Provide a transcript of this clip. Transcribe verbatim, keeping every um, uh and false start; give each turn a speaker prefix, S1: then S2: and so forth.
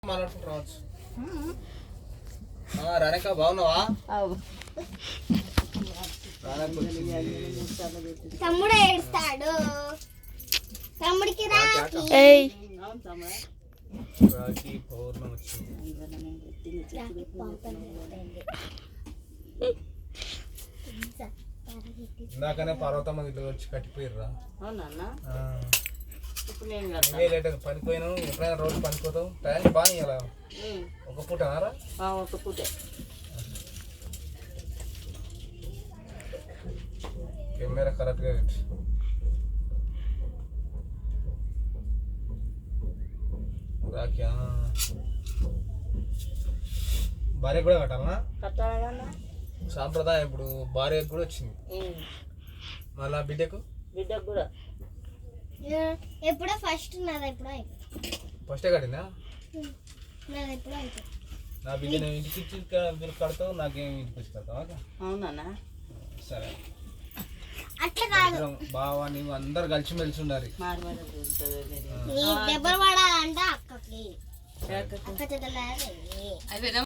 S1: మాట్లాడుకుంటావచ్చు. రాణిక బాగున్నావా?
S2: తమ్ముడు ఏడుస్తాడు. తమ్ముడికి రాఖీ
S1: రాఖీ పౌర్ణమి వచ్చింది. ఇందాకనే పర్వతమ్మ ఇల్లు వచ్చి కట్టిపోయిర్రా. పనిపోయినావు. ఎప్పుడైనా రోజు పనిపోతావు. టైం బాగా ఇలా ఒక పూట
S3: ఒక పూటే
S1: కెమెరా కరెక్ట్గా పెట్టి రాఖీ భార్య కూడా కట్టాలనా?
S3: కట్టాలన్నా
S1: సాంప్రదాయం. ఇప్పుడు భార్యకు కూడా వచ్చింది, మళ్ళా బిడ్డకు
S3: బిడ్డకు కూడా
S2: ఎప్పుడో ఫస్ట్ నాది ఎప్పుడో అయిపోయింది.
S1: ఫస్టే కట్టిందా?
S2: నాది ఎప్పుడో అయిపోయింది.
S1: నా బిడ్డ నేను ఇంటికి ఇచ్చి మీరు కడతావు, నాకేం ఇంటికి వచ్చి కడతావా?
S3: అవునా?
S1: సరే.
S2: అట్లా కాదు
S1: బావా, నీవు అందరు కలిసి మెలిసి ఉండాలి.
S2: దెబ్బలు పడాలంటే అక్కకి అక్క చెల్లె